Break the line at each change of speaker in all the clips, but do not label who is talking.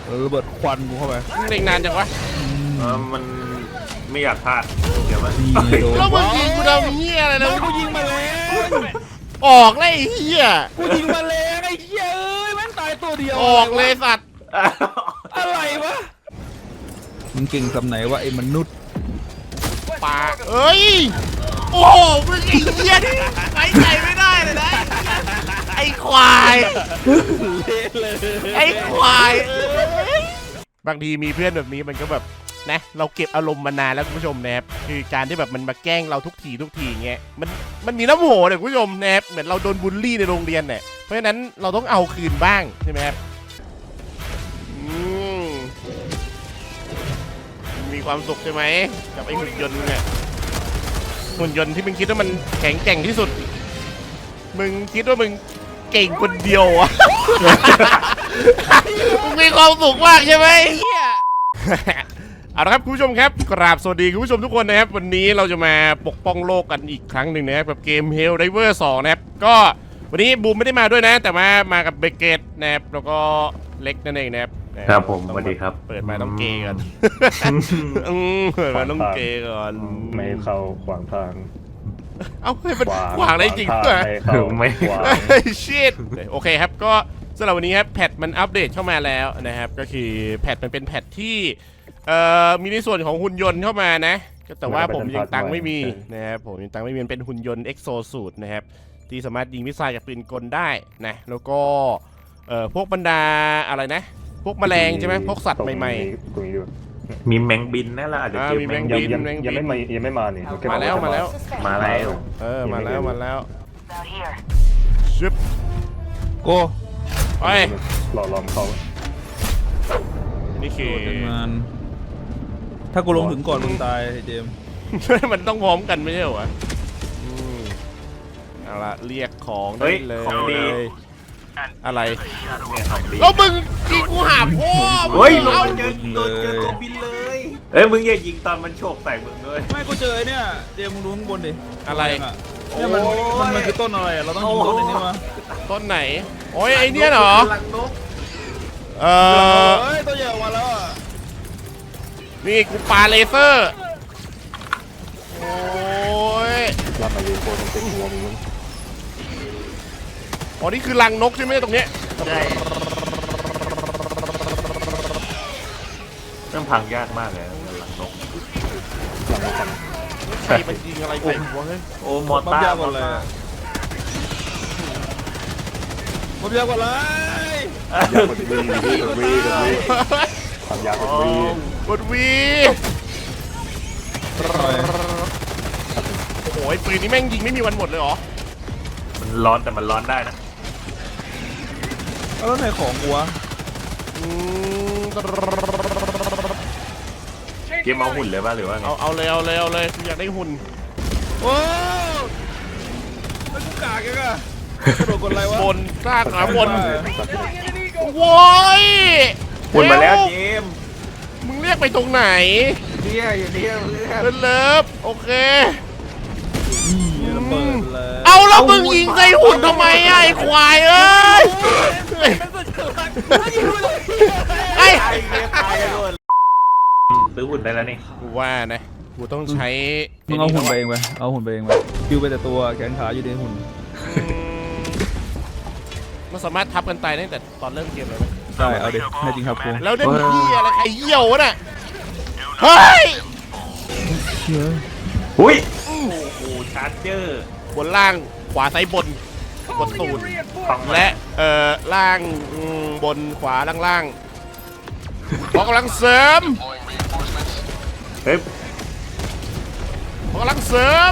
ระเบิดควันกูเข้าไป
เล่นนานจังวะ
มันไม่อยากพลาดเดี๋ยวมัน
แล้วมึงยิงกูทำเหี้ยอะไรนะ
กูยิงมาแล้ว
ออกเลยไอ้เหี้ย
กูยิงมาแล้วไอ้เหี้ยเอ้ยแม่งตายตัวเดียว
ออกเลยสัตว์
อะไรวะมึงเก่งสำไหนวะไอ้มนุษย์
ปาเอ้ยโอ้โหมึงไอ้เหี้ยไว้ใจไม่ได้เลยนะไอ้ควายไอ้ควายบางทีมีเพื่อนแบบนี้มันก็แบบนะเราเก็บอารมณ์มานานแล้วคุณผู้ชมนะครับคือการที่แบบมันมาแกล้งเราทุกทีเงี้ยมันมีน้ำโหเนี่ยคุณผู้ชมนะครับเหมือนเราโดนบูลลี่ในโรงเรียนเนี่ยเพราะฉะนั้นเราต้องเอาคืนบ้างใช่ไหมครับมีความสุขใช่ไหมกับไอ้หุ่นยนต์เนี่ยหุ่นยนต์ที่มึงคิดว่ามันแข็งแกร่งที่สุดมึงคิดว่ามึงเก่งคนเดียวอะมึงมีความสุขมากใช่ไหมเอาละครับคุณผู้ชมครับกราบสวัสดีคุณผู้ชมทุกคนนะครับวันนี้เราจะมาปกป้องโลกกันอีกครั้งหนึ่งนะครับกับเกม Helldivers 2นะครับก็วันนี้บูมไม่ได้มาด้วยนะแต่มากับเบเกตนะครับแล้วก็เล็กนั่นเองนะครับ
ครับผมสวัสดีครับ
เปิดมาต้องเกย์ก่อนเปิดมาต้องเกย์ก่อน
ไม่เข้าขวางทาง
เอ้าให้มันขวางได้จริงด้วย
ไม่ขวาง
ชิตโอเคครับก็สำหรับวันนี้ครับแพทมันอัปเดตเข้ามาแล้วนะครับก็คือแพทมันเป็นแพทที่มีในส่วนของหุ่นยนต์เข้ามานะแต่ว่าผมยังตังไม่มีนะครับผมยังตังไม่มีเป็นหุ่นยนต์เอ็กโซสูตนะครับที่สามารถยิงมิสไซล์จากปืนกลได้นะแล้วก็พวกบรรดาอะไรนะพวกแมลงใช่ไหมพวกสัตว์ใหม่
ๆมีแมงบินนั่นแหละอาจจะเจอ
แมงบิน
ยังไม่มานี่
มาแล้วมาแล้ว
มาแล้ว
ชิป
โก้
ไป
รอเขา
นี่คือ
ถ้ากูลงถึงก่อนมึงตายเจม
มันต้องพร้อมกันไม่ใช่เหรอเอาละเรียกของได้เลยอะไรแล้วมึงยิงกูหาพ่อ
เฮ้ยโดนเจอตัวบินเลยมึงอย่ายิงตอนมันโฉบใส่มึงเลย
ไม่กูเจอเนี่ยเจมมึงดูข้างบนดิ
อะไร
เนี่ยมันคือต้นอะไรเราต้องยิงต้นนี้มา
ต้นไหนโอ้ยไอเนี้ยเหรอ
ตัวใหญ่ออกมาแล้ว
นี่กูปาเลเซอร์โอ้ย
รับมาเลยโคตรเป็นหัวมึง
อ๋อนี่คือรังนกใช่ไหมตรงเนี้ย
ใช่ต้องพังยากมากเลยรังนก
ใครมันยิงอะไรใส่หัวเฮ้ย
โอ้มอต้า
หมดเลยผมยากกว่าไร
ยากกว่าวีทำยากกว่าวี
กดวีโอ้ยปืนนี้แม่งยิงไม่มีวันหมดเลยเหรอ
มันร้อนแต่มันร้อนได้นะ
แล้วไหนของกูวะ
เกมเอาหุ่นเลยป่ะหรือว่าไง
เอาเลยอยากได้หุ่น
โอ้ไม่กูกากแกอะโดนกดอะไรวะ
บนสร้างหาบนโว้ย
หุ่นมาแล้วเจม
มึงเรียกไปตรงไหน
เนี่ยอยู่เนี่ย
เลิฟโอเคเอาแล้วมึงยิงใส่หุ่นทำไมไอ้ควายเอ้ย
ไอ้ซื้อหุ่นได้แล้วนี่
กูว่านะกูต้องใช้
มึงเอาหุ่นไปเองไปเอาหุ่นไปเองไปคิวไปแต่ตัวแขนขาอยู่ในหุ่น
มันสามารถทับกันตายตั้งแต่ตอนเริ่มเกมเลยไหม
ใช่เอาดิแน่จริงครับครู
แล้วได้ที่อะไรใครเยี่ยวน่ะเฮ้ย
หุ้ยโอ้โหชาร์เจอร์
บนล่างขวาซ้ายบนกดตูดและล่างบนขวาล่างขอกำลังเสริมขอกำลังเสริม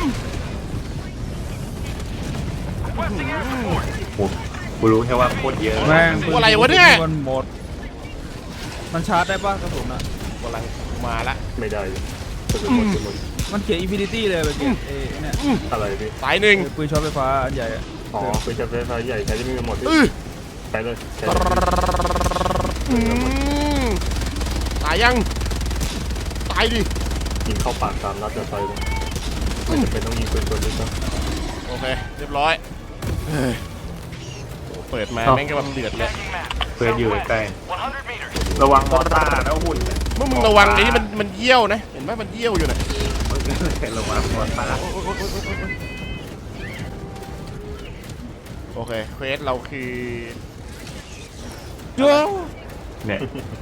กูรู้แค่ว่าโคตรเยอะ
แม่ง
อะไรวะเนี่ย
มันหมดมันชาร์จได้ป่ะกระสุนอะ
กำลังมาละ
ไม่ได้
มันเขียน Infinity เลยแบบเนี่ย
อะไรพี่
สายหนึ่ง
ปืนช็อตไฟฟ้าอันใหญ่
อ๋อปืนช็อตไฟฟ้าใหญ่ใช้ได้ไม่หมดใช้เลย
ตายยังตายดิ
ยิงเข้าปากตามนัดจะใช้เลยไม่จำเป็นต้องยิงปืนตัวนี้ครับ
โอเคเรียบร้อยเปิดมาแม่งก็แบบเดือดเลย
เพื่อนอยู่ใกล้ระวังมอต้าแล้วหุ่น
มึงระวังไอ้นี่มันเยี่ยวนะเห็นไหมมันเยี่ยวอยู่นะ
ระวังมอต้า
โอเคเควสเราคือ
เจ้า
เนี่ย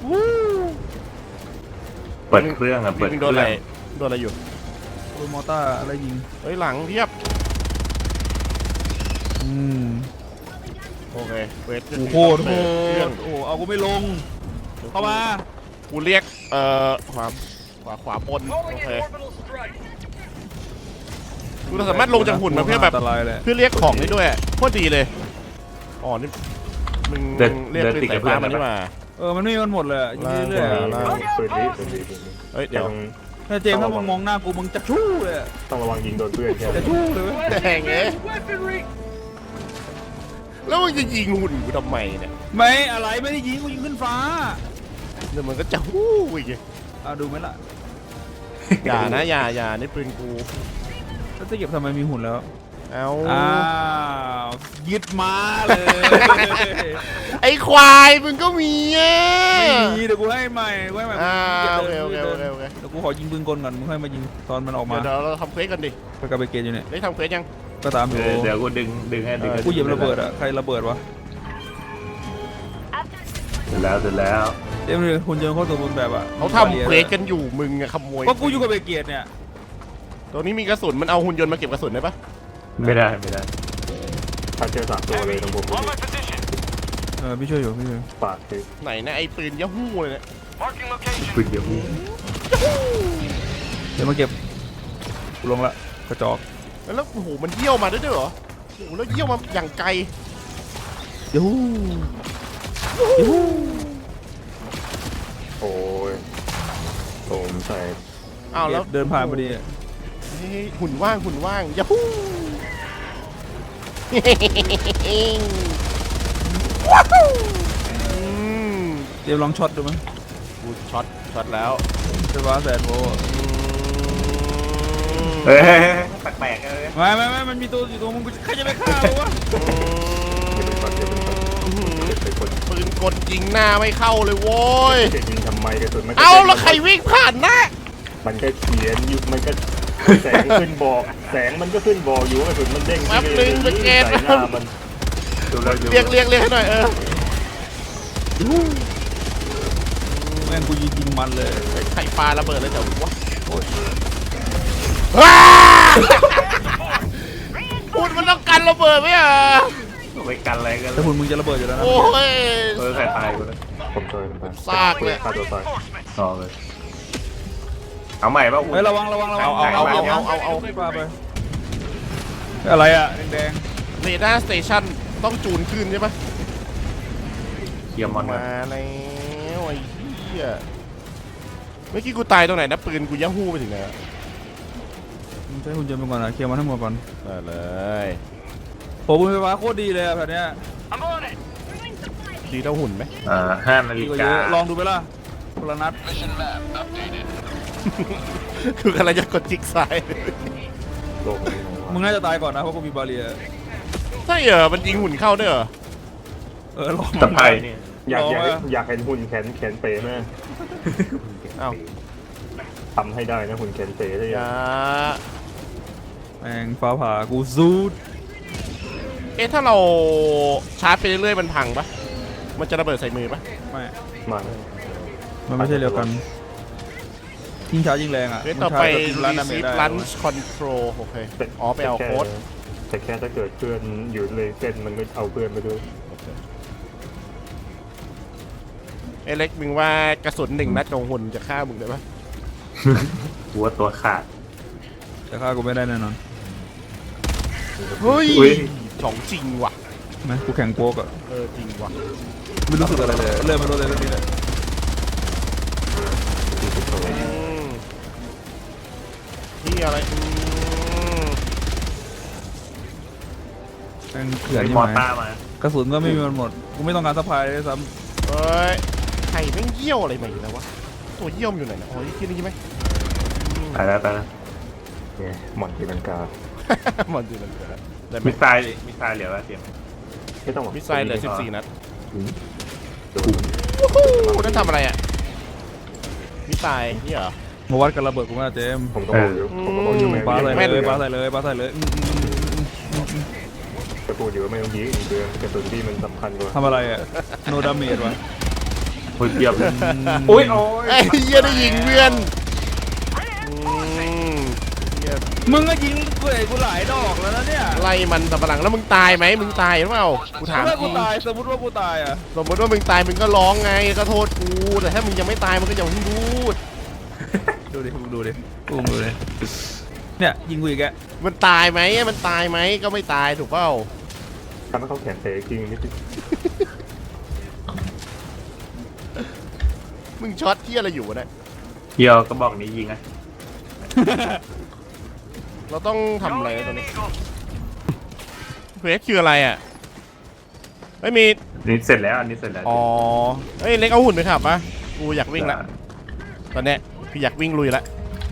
เปิดเครื่องอะเปิด
มึง
เค
โดน
รื่
อะไร
อง
โดนอะไรอยู่
โอ้ยมอต้าอะไรยิง
เฮ้ยหลังเทียบ โอเคเควส
โอ้โหโห
เครื่อง
โอ้เอากูไม่ลงเข้ามา
กูเรียกขวาบนโอเคกูสามารถลงจากหุ่นมาเพื่อแบบ
อันตรายเลย
เพื่อเรียกของได้ด้วยโคตรดีเลยอ๋อนี่มึงเรียกปืนสายฟ้ามันนี่มา
มันไม่มันหมดเลยอะยิงเรื่อยๆ
ล่า
อะ
ง
ปืนนี้ปืนนี้
เฮ้ยเดี๋ยว
ถ้าเจมส์ถ้ามึงมองหน้ากูมึงจะชู้เลยอะ
ต้องระวังยิงโดนเพื่อนแค่
จะชู้เลยเว้ย
แดงเอ๊ะแล้วมึงจะยิงหุ่นกูทำไมเนี่ย
ไม่อะไรไม่ได้ยิงกูยิงขึ้นฟ้า
เดี๋ยวมันก็จะฮู้อีก
ดูไหมล่ะ
อย่านะอย่านี่ปืนกู
แล้วจะเก็บทำไมมีหุ่นแล้ว
เอา
อ้าวยึดมาเลย
ไอ้ควายมึงก็มีอ่ะ
ไม่มีเดี๋ยวกูให้ใหม่กูให้ใหม่
โอเคโอเค
เดี๋ยว
โอเค
เดี๋ยวกูขอยิงปืนกลก่อนมึงค่อยมายิงตอนมันออกมา
เดี๋ยวเราทำเควสกันดิ
ไปกับไปเกตอยู่เนี่ย
ได้ทำเควสยัง
ก็ตามอยู่
เดี๋ยวกูดึงให้ดึงให้
กูเหยียบระเบิดอะใครระเบิดวะ
เสร็จแล้ว
เต็มเลยหุ่นยนต์เขาตัวบนแบบอะ
เขาทำเควสกันอยู่มึงอะขโมย
ก็กูอยู่กับไปเกตเนี่ย
ตัวนี้มีกระสุนมันเอาหุ่นยนต์มาเก็บกระสุนได้ปะ
ไม่ได้
ถ้าเจอ3ตัวเลยต้องผม
พี่ช่วยอยู่พี่ช่วย
ปากคือ
ไหนนะไอ้ปืนยะฮู้เลยเนี่ย
ปืนเดียว
เดี๋ยวมาเก็บกูลงละกระจอก
แล้วโอ้โหมันเยี่ยวมาด้วยเหรอโอ้โหแล้วเยี่ยวมาอย่างไกล
ยูยู
โอ้ยผมใส่
อ้าวแล้ว
เดินผ่านพอดีอะ
เฮ้ยหุ่นว่างยะฮู้อืม
เดี๋ยวลองช็อตดูมั้ย
กูช็อตแล้ว
ไฟฟ้าแสนโวลต์
เฮ้ยแปลกๆเลย
ไม่มันมีตัวอยู่ตัวมึงใครจะไปฆ่าวะ
เป็นคน
ปืนกลยิงหน้าไม่เข้าเลยโว้ย
จะยิงทำไมกระสุนมัน
เอาแล้วใครวิ่งผ่านหน้า
มันก็เขียนอยู่มันก็แสงขึ้นบอกแสงมันก็ขึ้นบอกอยู่กระสุนมันเด้งใส่หน้ามัน
ดูแล้ว
เรียกให้หน่อย
แม่งกูยิงมันเลย
ไข่ปลาระเบิดเลยเดี๋ยววะ พูดมันต้องกันระเบิดไหมอ่ะ
ไปกันอะไรกัน
แต่หุ่นมึงจะระเบิดอยู่แล้วนะ
โอ้ย
ใครตายกูเลย
ผมช่วยผม
ซากเลย
ฆ่าตัวตาย
ต่อเลยเอาใหม่ป่ะคุณ
เฮ้ยระวัง
เอา
ไม่ปาไปอะไรอะแดง
เรดาร์สเตชันต้องจูนขึ้นใช่ปะ
เกียร์มอน
มาแล้วไอ้เหี้ยเมื่อกี้กูตายตรงไหนนะปืนกูยะฮู้ไปถึงไหนอะ
มึงใช้หุ่นยนต์ไปก่อนนะเคลียร์มันทั้งหมดก่อน
ได้เลย
โอ้บุญไฟฟ้าโคตรดีเลยอะแบบเนี้ย
ดีเท่าหุ่นไหม
5 นา
ดี
ฬิ
กว่าเย
กา
อะลองดูไปล่ะคนละนัด
คือกำลังจะกดจิกซ้าย
โลกนี้
มึงน่าจะตายก่อนนะเพราะกูมีบาเรีย
ใช่เหรอมันยิงหุ่นเข้าด้วยเหรอ
ลอง
ตะไคร้นี่
อยากเห็นหุ่นแขนเป๋ไหม
อ้าว
ทำให้ได้นะหุ่นแขนเป๋ได้
อย่า
แม่งฟ้าผ่ากูซูด
ถ้าเราชาร์จไปเรื่อยๆมันพังปะมันจะระเบิดใส่มือปะ
ไม่
มา
มันไม่ใช่เดียวกันยิงช้ายิงแรงอ่ะ
ต่อไป
ร้านดาเมจ
receive
ได้
lunch control โอเคอ๋อไปเอาโค้ด
แต่แค่ถ้าเกิดเพื่อนอยู่เลยเส้นมันก็เอาเพื่อนไปด้วย
เล็กมึงว่ากระสุน1 นัดของหุ่นจะฆ่ามึงได้ปะ
หัวตัวขาด
แต่ฆ่ากูไม่ได้แน่นอน
เฮ้ย
อุ๊ย
ของจริงว่ะ
ไหมกูแข่งโป๊กอ่ะ
จริงว่ะ
ไม่รู้สึกอะไรเลยเริ่มไม่รู้เลยเรื่องนี้เลย
ที่อะไร
แม่งเขื่อน
มี
ใช่
มอ
ไหม
ต้ามา
กระสุนก็ไม่มีมันหมดกูไม่ต้องการซัพพลายเลยซ้
เฮ้ยไข่แม่งเยี่ยวอะไรมาอีกแล้ววะตัวเยี่ยมอยู่ไหนนะอ๋อที่นี่ใช่ไหม
ไปแล้ว
เนี่ยหมอนตีลังกา
มันดูมันเกิดได้ไหม
มิสไซล์เหลือว่าเตรียม
ไม่ต้องหรอก
มิสไซล์เหลือ14 นัด
โดน
นั่นทำอะไรอ่ะมิสไซล์นี่เหรอ
มาวัดกันระเบิดกูมาเจมส์
ผมก็บอกอยู่ผมก็บอกอยู่
ปาใส่
แม่น
เลยปาใส่เลยปาใส่เลย
จะพูดอยู่ว่าไม่ต้องยิงเดือนกระสุนที่มันสำคัญกว่า
ทำอะไรอ่ะโนดาเมจวะ
โอ้ยเปียบเลยโอ้ยโอ้ย
ไอ้เหี้ยได้ยิงเพื่อนเหี้ย
มึงก็ยิงกูหลายดอกแล้วนะเนี่ย
ไล่มันสับปะหลังแล้วมึงตายไหมมึงตายหรือเปล่ากูถาม
ถ้า
จ
กู
ริง
ตายสมมติว่ากูตายอ่ะ
สมมติว่ามึงตายมึงก็ร้องไงก็โทษกูแต่ถ้ามึงยังไม่ตายมึงก็อย่าเพิ่งพูด
ดูดิมึงดูดิกูดูดิเนี่ยยิงกูอีกแก
มันตายไหมมันตายไหมก็ไม่ตายถูกเปล่า
ทำให้เขาแขนเตะจริงนิดนึง
มึงช็อตที่อะไรอยู่วะเนี่ย
เฮียวก็บอกนี้ยิงอ่ะ
เราต้องทำอะไรนะตอนนี้เควสคืออะไรอ่ะไม่มี
นี่เสร็จแล้วอันนี้เสร็จแล้ว
อ๋อเอ้ยเล็กเอาหุ่นไปขับปะกูอยากวิ่งละตอนเนี้ยพี่อยากวิ่งลุยละ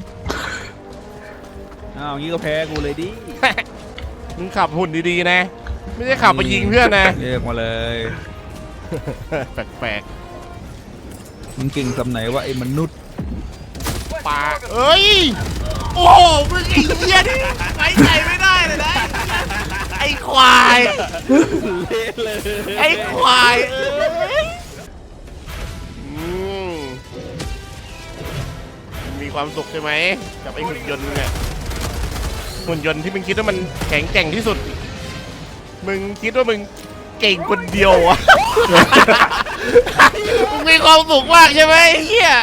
อ้าวงี้ก็แพ้กูเลยดิ
มึงขับหุ่นดีๆนะไม่ใช่ขับไปยิงเพื่อนนะ
เรียกมาเลย
แปลก
มึงเก่งสำไหนว่าไอ้มนุษย์
ๆปาเอ้ยโอ้โหมึงไอ้เหี้ยนี่ไว้ใจไม่ได้เลยนะไอ้ควายไอ้ควายเอ้ยมีความสุขใช่ไหมกับไอ้หุ่นยนต์เนี่ยหุ่นยนต์ที่มึงคิดว่ามันแข็งแกร่งที่สุดมึงคิดว่ามึงเก่งคนเดียวอะ มึงมีความสุขมากใช่ไหมไอ้เฮีย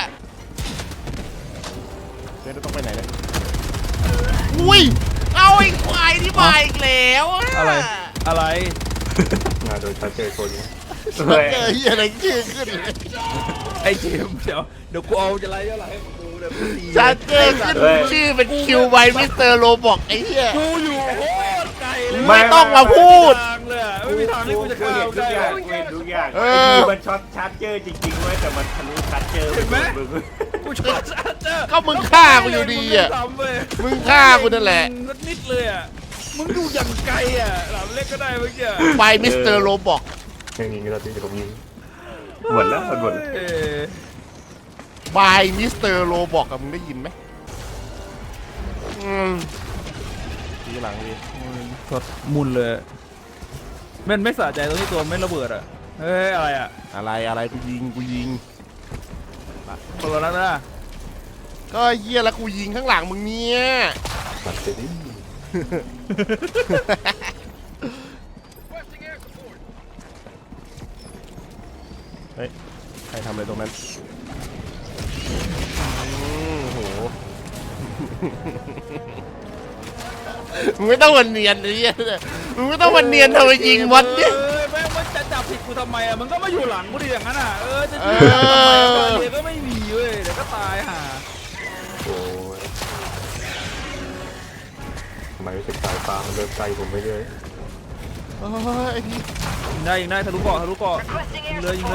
เดี๋ยวเราต้องไปไหนเนี่ยอุ้ยเอาไอ้ควายที่มาอีกแล้วอะ
อะไร
งานโดยชัดเจนคนนี้
เจอเฮียอะไรชื่อขึ้นเลย
ไอ้เจมส์เดี๋ยวกูเอาจะไล่เท่าไหร่ให้กูเดี๋ยวกูตี
ชัดเจนขึ้นชื่อเป็นคิวไวมิสเตอร์โรบอกไอ้เฮีย
กูอยู่โคตรไกลเลย
ไม่ต้องมาพูด
ทางเลยอะไม่มีทางที่กูจะ
กู
เข้า
เห็นทุ
ได้
กอย่าง
อะ
กูเห็นทุกอย่าง
เออ
ไอ้คือมันช็อตชาร์จเจอร์จริงๆเว้ยแต่มันทะลุชาร์จเจอร์
เห็นไหม
มึง
กูชอบชัดเจอ
ก็มึงฆ่ากูอยู่ดีอะ มึงฆ่ากูนั่นแหละ
มึงนิดเลยอ่ะมึงดูอย่างไกลอ่ะหลามเล็กก็ได้เมื่อกี้
ไวมิสเตอร์โรบอก
ยังยิงก็ได้ที่ผมยิง
หมดแล้วหมดแล้ว
เอ้ย
ไวมิสเตอร์โรบอกกับมึงได้ยินไหมทีหลังดี
สดมุนเลยมันไม่สะใจตรงที่ตัวไม่ระเบิดอ่ะเฮ้ยอะไรอ่ะ
อะไรกูยิง
คนละนัดนะ
ก็เฮียแล้วกูยิงข้างหลังมึงเนี่ย
ตัดเสร็จดิ
เฮ้ยใครทำอะไรตรงนั้นโหมึงไม่ต้องวันเนียนเลยมึงไม่ต้องวันเนียนทำไมยิงวัดเนี่ย
แม่งมันจะจับผิดกูทำไมอ่ะมันก็มาอยู่หลังกูดิอย่างนั้นอ่ะจะยิงกูทำไมอ่ะเดี๋ยวก็ไม่มีเว้ยเดี๋ยวก็ตายห่า
โอ้ยทำไมรู้สึกสายฟ้ามันเริ่มใกล้ผมไปเรื่อย
โอ้ยไอ้พี่
ยิงได้ทะลุเกาะยิงเลย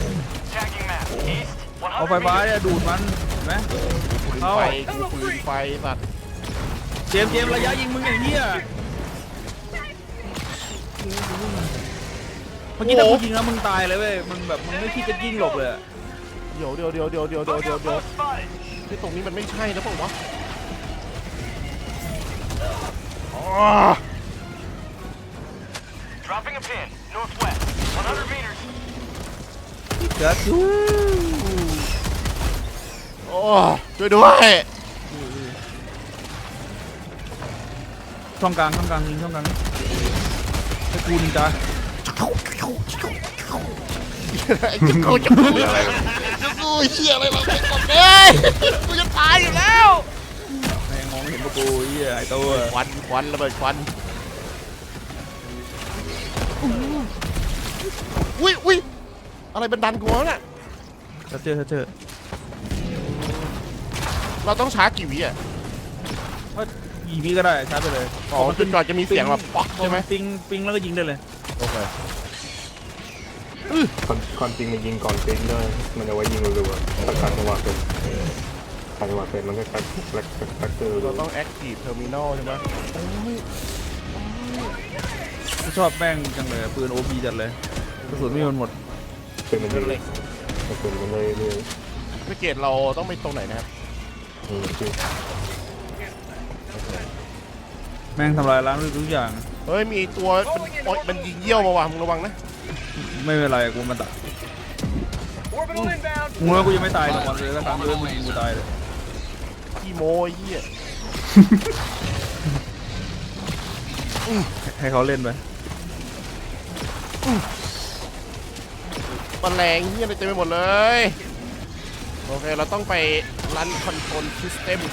เอาไฟฟ้าเนี่ยดูดมันเห็นไหมเอา
ไฟกูปืนไฟสัตว์
เจมส์ระยะยิงมึงอย่างเงี้ยเมื่อกี้ถ้ากูยิงแล้วมึงตายเลยเว้ยมึงแบบมึงไม่คิดจะยิงหลบเลย
เดี๋ยวที่ตรงนี้มันไม่ใช่นะพวกวะอ๋อ
Dropping a pin, northwest, 100 meters.
เดี๋ยวจู้
โอ้ช่วยด้วย
ช่องกลางยิงช่องกลางให้กูนินจา
ไอ้จะกูอะไรเฮียอะไรมาเป็นกับเนี่ยกูจะตายอยู่แล้ว
แม่งมองไม่เห็นพวกกูเหี้ยไอ้ตัว
ควันระเบิดควันอุ้ยอะไรบันดันกูวะเนี่ย
ถ้าเจอ
เราต้องชาร์จกี่วิอ่ะ
ก็ยิงพี่ก็ได้ชาร์จไปเลย
อ๋อจนกว่าจะมีเสียงแบบป๊อกใช่ไหม
ปิงแล้วก็ยิงได้เลย
โอเค
ความจริงมันยิงก่อนปิงด้วยมันเอาไว้ยิงรัวๆถ้าขาดจังหวะเป็นมันก็คัดเจอ
เราต้องแอคทีฟเทอร์มินอลใช่ไหม
กูชอบแม่งจังเลยปืนโอพีจัดเลยกระสุนไม่มันหมด
เป็นมันยิงกระสุนมันเลยเลย
ไปเกตเราต้องไปตรงไหนนะครับ
คือ
แม่งทำลายล้างทุกอย่าง
เฮ้ยมีตัวมันยิงเยี่ยวมาว่ะมึงระวังนะ
ไม่เป็นไรกูมันตัด
Orbital inbound.
มึงว่ากูยังไม่ตายหรอกวันเลยก็ตามเลยมึงยิงกูตายเลย
ขี้โมไอ้เหี้ย
ให้เขาเล่นไป
ตะแรงเหี้ยอะไรเต็มไปหมดเลย โอเคเราต้องไปรันคอนโทรลซิสเต็ม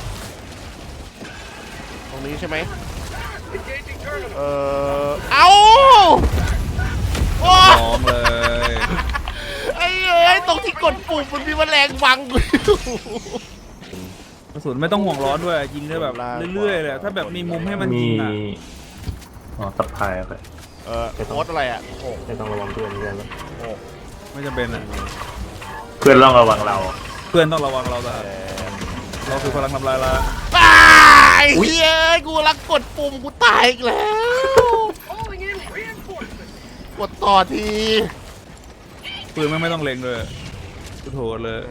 ตรงนี้ใช่ไหม
Engaging terminal.
เอาโอ้
พร้อมเลย
ไอ้เอ้ยตรงที่กดปุ่มมันมีแมลงบังกูอยู่
กระสุนไม่ต้องห่วงร้อนด้วยยิงได้แบบเรื่อยๆเลยถ้าแบบมีมุมให้มัน
มี
ยิงอ่ะ
สับพายไป
โค้ดอะไรอ่ะโอ้
ไม่ต้องระวังเพื่อนกันแล้ว
ไม่จำเป็นอ่ะ
เพื่อนต้องระวังเรา
เพื่อนต้องระวังเราแต่เราคือพลังทำลายล้าง
ตายเฮ้ยกูรักกดปุ่มกูตายอีกแล้ว
Calling in reinforcements.
กดต่อที
ปืนไม่ต้องเล็งเลยกูโถดเลย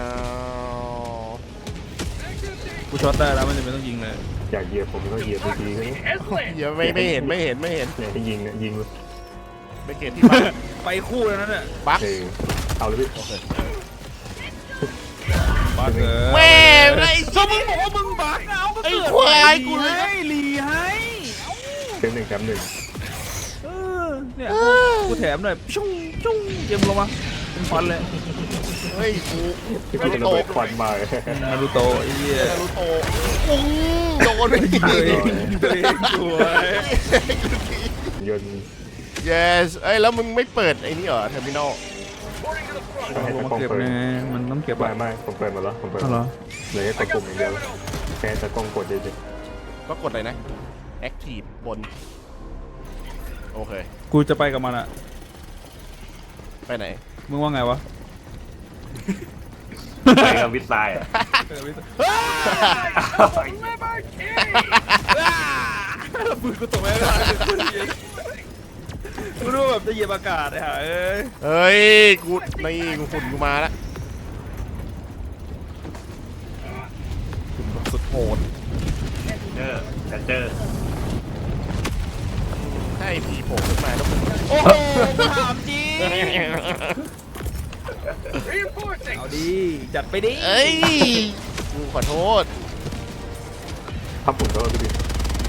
กูช็อตได้แล้วไม่จำเป็นต้องยิงเลย
อยากเหยียบผมก็เหยียบทีๆก็
Headland.
อย่าไม่เห็น
เนี่ยที่ยิงเนี่ยยิงเลย
ไปเกตที่บ้าน
ไปคู่แล้วนั่นเนี่ย
บัก
เอาเลยพี่
บักเออ
แม่ไอ้
ก็มึงบอกว่ามึงบักเอาก็
ไอ้
เกิด
ควายกูเลย
ให้รีให้
เกมหนึ่งแคมป์หนึ่ง
เออเนี่ยกูแถมหน่อยชุ่งชุ่งเกมลงมาเป็นฟันเลย
เฮ้ยกู
ที่เป็นระเบิดควันมา
นารูโตะไอ้เหี้ย
นารูโตะปุ้งโดนไปที
ตัวเองสวย
ยนต์
yes เอ้ยแล้วมึงไม่เปิดไอ้นี่เหรอเทอร์มินอล
Reporting to the front.
ให้
ลง
ตะ
มาก
ล้อง
เก็บ
เปิด
ไงมันต้องเก็บอะ
ไม่ผมเปิดมาแล้วผมเปิด
อ๋อเหรอ
เหลือแค่กดปุ่มอย่างเดียวแค่ตะกล้องกดเฉย
ก็กดเลยนะ active บนโอเค
กูจะไปกับมันอะ
ไปไหน
มึงว่าไงวะ
ไปกับวิทย์ทรายอ่ะ
ปืนกูตกไปแล้วกูรู้แบบจะเหยียบอากาศเลยฮะเอ้ย
เฮ้ยกูนี่กูฝุ่นกูมาแล้วฝุ่นแบบสุดโหด
เจอ
ถ้าไอพีโผล่ขึ้นมาแล้วมึง
โอ้โหกูถามจริง
Reinforcing.
เอาดีจัดไปดิ
เอ้ยกูขอโทษ
ๆพับผมก็พี่ดิ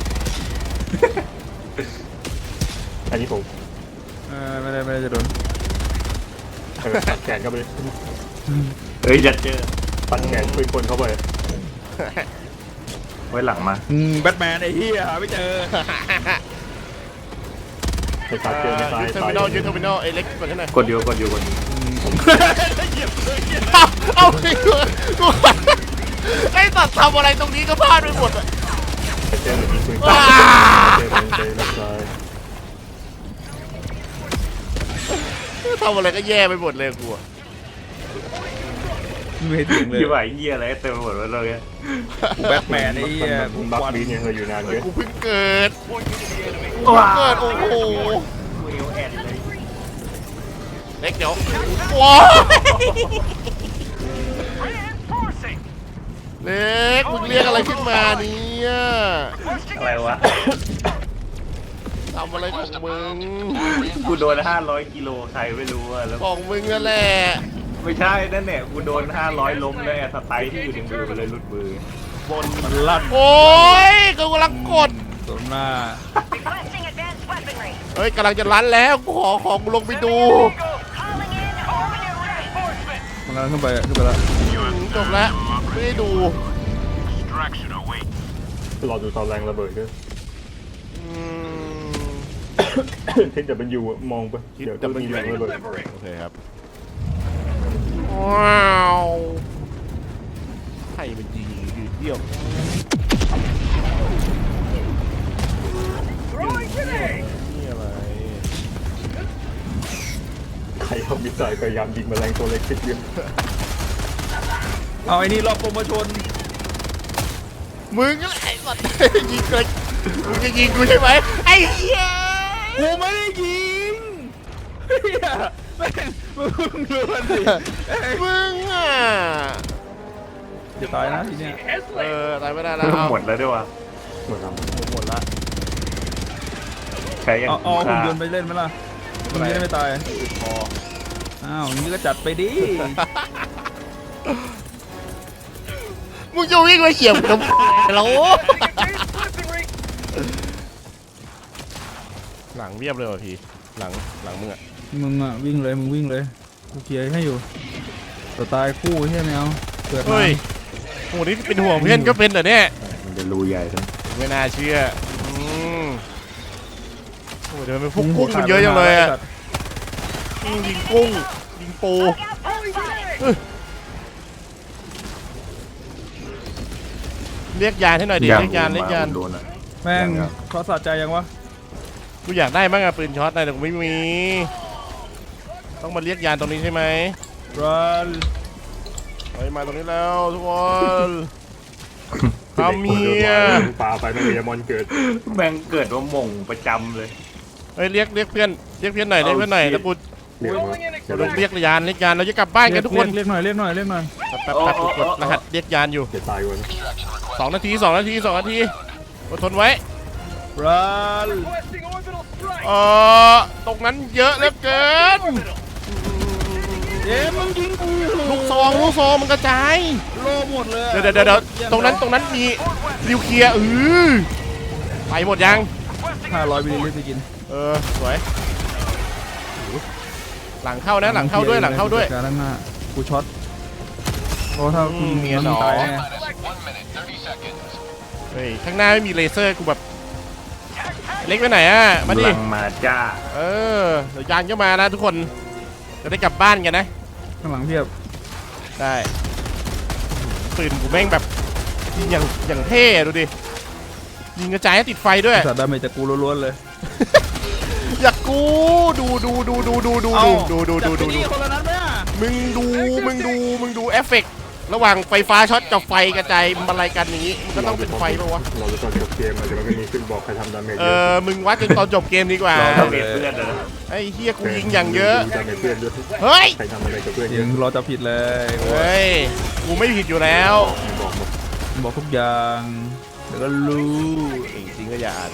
อันนี้ผม
ไม่ได้จะโดน
ตัดแขนเข้าไป
เฮ้ยจะเจอ
ตัดแขนปืนคนเข้าไป
ไว้หลังมา
แบทแมนไอ้เหี้ยหาไม่เจอ
ไปตัดเจอในซ้าย
ยึดเทอร์มินอลยึดเทอร์มินอลไอ้เล็กกดให้หน่อย
กดอยู่
เอาดิกูไอ้ตัดทำอะไรตรงนี้ก็พลาดไปหมดอะ
ไปเจอยิงปืนเจอในซ้าย
ทำอะไรก็แย่ไปหมดเลยกูอะ
ไม่เห็นถึงเลย
ยี่ไหวเยี่ยอะไรเต็มไปหมดเลย
กูแบทแมนไอ้เหี้ย
ผมบักบีเนี่ยเราอยู่นานเยอะ
กูเพิ่งเกิด
ว้า
เกิดโอ้โห
เวลแอนเลย
เล็กเดี๋ยวว้า
Reinforcing.
เล็กมึงเรียกอะไรขึ้นมาเนี่ย
อะไรวะ
ทำอะไรของมึง
กูโดน500กิโลใครไม่รู้อะแล้ว
ของมึงนั่นแหละ
ไม่ใช่นั่นเนี่ยกูโดน500ล้มเลยสไตล์ที่อยู่ในมือมันเลยหลุดมือบ
นมันลั่น
โอ้ยกูกำลังกด
สมหน้า
Requesting advanced weaponry.
เฮ้ยกำลังจะรันแล้วกูขอของกูลงไปดู
Calling in orbital reinforcements.
มันกำลังขึ้นไปแล้ว
จบแล้วไม่ได้ดู
Distraction away.
รอดูตอนแรงระเบิดด้วย
อืม
ที่จะเป็นอยู่มองไปเดี๋ยวจะมีแรงระเบิด
โอเคครับว้าวใครมันยิงยืดเดี่ยว
Throwing grenade.
นี่อะไร
ใครเอามิสไซล์พยายามยิงแมลงตัวเล็กติดเดียว
เอาไอ้นี่รอบโปรโมชั่น
มึงอะไรสัตว์ยิงเลยมึงจะยิงกูใช่ไหมไอ้เหี้ย
กูไม่ได้ยิงเหี้ยแม่งมึงดูมันสิ
มึงอ่ะ
จะตายนะทีเนี้ย
ตายไม่ได้แล้วเอา
หมดแล้วด้วยวะ
หมดแล้ว
หมดละ
ใช้ยัง
เอาหุ่น
ค่าย
นต์ไปเล่นไหมล่ะมันจะได้ไม่ตาย
พอ
อ้าวอย่างนี้ก็จัดไปดิ
มึงจะวิ่งมาเขี่ยมทำไมแล้วหลังเรียบเลยว่ะพี่หลังมึงอ่ะ
มึงอะวิ่งเลยมึงวิ่งเลยกูเคลียร์ให้อยู่แต่ตายคู่ใช่ไหมเอาเกิดมา
เฮ้ยโหนี่เป็นห่วงเพื่อนก็เป็นเหรอเนี่ย
มันจะรูใหญ่ทั้ง
ไม่น่าเชื่อโอ้เดี๋ยวมันพวกกุ้งมันเยอะจังเลยอ่ะยิงกุ้งยิงปู
Look out for fire.
เรียกยานให้หน่อยดิเรียกยาน
โดนอะ
แม่งเขาสะใจยังวะ
กูอยากได้บ้างอะปืนช็อตนะแต่กูไม่มีต้องมาเรียกยานตรงนี้ใช่ไหม
รัน
เฮ้ยมาตรงนี้แล้วทุกคนทำเมีย
ปลาไปไม่มีมอนเกิด
แม่งเกิดว่าหม่งประจำเลย
เฮ้ยเรียกเพื่อนหน่อยเรียกเพื่อนหน่อยแล้วกู
เรียกว่า
เรียกยานเราจะกลับบ้านกันทุกคน
เรียกหน่อยเรียกหน่อย
แป๊บกดรหัสเรียกยานอยู่
จะตายวัน
2 นาทีอดทนไว้
รัน
ตรงนั้นเยอะเหลือเกิน
มึงยิงกู
ลูกซองมันกระจาย
โลหมดเลย
เดี๋ยวตรงนั้นมีนิวเคลียร์ไปหมดยัง
500 มิลลิลิตรไปกิน
สวยหลังเข้านะหลังเข้าด้วย
การด้านหน้ากูช็อตเพราะถ้าคุณ
เมียหนอ
ตายแน่
เฮ้ยข้างหน้าไม่มีเลเซอร์กูแบบเล็กไปไหนอ่ะมาดิ
ลังมาจ้า
เดี๋ยวยานก็มานะทุกคนจะได้กลับบ้านกันนะ
ข้างหลังเพียบ
ได้ปืนกูแม่งแบบยิงอย่างเท่ดูดิยิงกระจายให้ติดไฟด้วย
สัตว์ดาเมจจากกูล้วนๆเลย
อยากกูดู
คนละนั้นไหมอ่ะ
มึงดูเอฟเฟกต์ระหว่างไฟฟ้าช็อตกับไฟกระจายมันอะไรกันอย่างนี้มันก็ต้องเป็นไฟป่าวะ
เราจะตอนจบเกมอาจจะไม่มีขึ้นบอกใครทำดาเมจ
มึงวัดจนตอนจบเกมดีกว่า
เราเบียดเพื่อนเลยนะ
ไอ้เฮียกูยิงอย่างเยอะ
ดาเมจเพื่อนด้วย
เฮ้ย
ใครทำอะไรกับเพื่อนเย
ยิ
อะ
งรอจะผิดเลย
เฮ้ยกูไม่ผิดอยู่แล้ว
บอกหมด
บอกทุกอย่างเดี๋ยวก็รู้
จริงก็อย่าอ่าน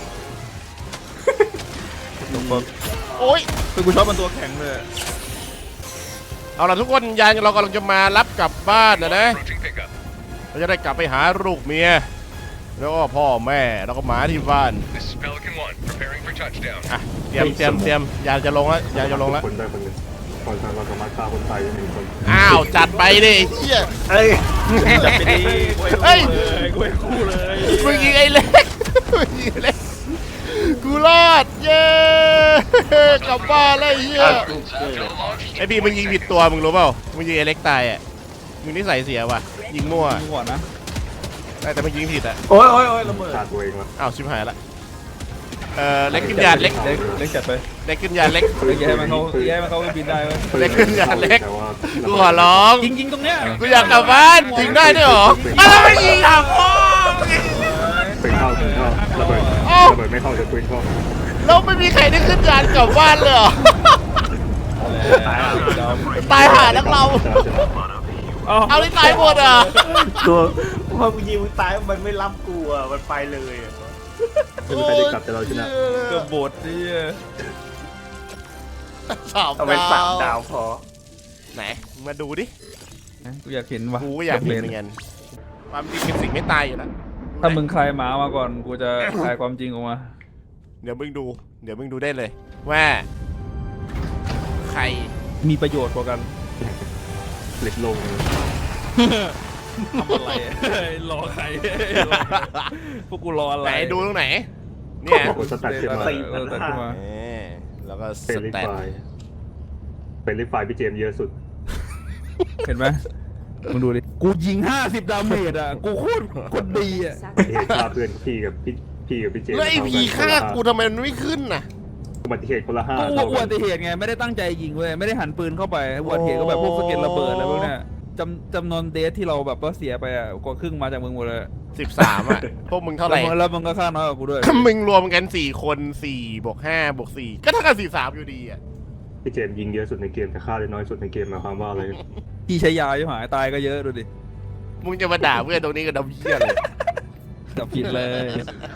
บอก
โอ๊ย
คือกูชอบมันตัวแข็งเลย
เอาล่ะทุกคนยานเรากำลังจะมารับกลับบ้านนะเราจะได้กลับไปหาลูกเมียแล้วก็พ่อแม่แล้วก็หมาที่บ้าน
This is Pelican 1, preparing for touchdown.
อ่ะเตรียมยานจะลงแล้ว
คนได้คนหนึ่งคนเราสามารถฆ่าคนตายได้1 คน
อ้าวจัดไปดิไอ้เหี้ย
เอ้ย
จับไปดี
เฮ้ย
กูให้คู่เลย
มึงยิงไอ้เล็กกูรอดเย้กลับบ้านแล้วไอ้เหี้ยไอพี่มึงยิงผิดตัวมึงรู้เปล่ามึงยิงไอ้เล็กตายอ่ะมึงนิสัยเสียว่ะยิงมั่ว
มึงก่อนนะ
แต่มึงยิงผิดอ่ะ
โอ้ยระเบิด
ฆ่าตัวเองวะ
อ้าวชิบหายละเล็กขึ้นยานเล็ก
เล็กจัดไป
เล็กขึ้นยานเล็ก
เล็กแย่มันเขาบินได้เว้ย
เล็กขึ้นยานเล็ก
แต่ว่า
กูขอร้อง
ยิงตรงเนี้ย
กูอยากกลับบ้านยิงได้ด้วยเหรออะไรไม่ยิงอ่ะพ่อ
ปืนเข้าระเบิดไม่เข้าจะปืนเข้า
แล้วไม่มีใครได้ขึ้นยานกลับบ้านเลยเหรอตายหานักเราเอาที่ตายหมดอ่ะ
ตัวพอกูยิงมึงตายมันไม่รับกูอ่ะมันไปเลยอะ
ไม่มีใครได้กลับแต่เราชนะ
เกือบบดดิ
เอาเป็น3 ดาวพอ
ไหนมาดูดิ
กูอยากเห็นว่ะ
กูก็อยากเห็นเหมือนกันความจริงเป็นสิ่งไม่ตายอยู่แล้ว
ถ้ามึงคลายหมามาก่อนกูจะคลายความจริงออกมา
เดี๋ยวมึงดูได้เลยว่าใคร
มีประโยชน์กว่ากัน
เล็กลง
ทำอะไรรอใครพวกกูรออะไร
ไหนดูตรงไหนเนี่ย
บอกว่าสแตทขึ้นมา
ตัดขึ้นมา
แล้วก็ส
เป็นลิ
แตท
ไฟเป็นลิไฟพี่เจมเยอะสุด
เห็นไหมมึงดูดิกูยิง50 ดาเมจอ่ะกูโคตรดีอ่ะ
เหตุฆ่าเพื่อนพี่กับพี่เจม
แล้วไอ้พีฆ่ากูทำไมมันไม่ขึ้นน่ะ
อุบัติเหตุคนละ
ก็
5
อุบัติเหตุไงไม่ได้ตั้งใจยิงเว้ยไม่ได้หันปืนเข้าไปอุบัติเหตุก็แบบพวกสะเก็ดระเบิดอะไรพวกเนี้ยจำนวนเดทที่เราแบบว่าเสียไปอ่ะกว่าครึ่งมาจากมึงหมดเลย
13อ่ะพวกมึงเท่าไหร่
แล้วมึงก็ฆ่าน้อยกว่ากูด้วย
มึงรวมกัน4 คน4 บวก 5 บวก 4ก็เท่ากับ43อยู่ดีอ่ะ
พี่เจมส์ยิงเยอะสุดในเกมแต่ฆ่าได้น้อยสุดในเกมหมายความว่าอะไร
ที่ใช้ยาอยู่หายตายก็เยอะดูดิ
มึงจะมาด่าเพื่อนตรงนี้กับดำเหี้ยเลย
จับผิดเลย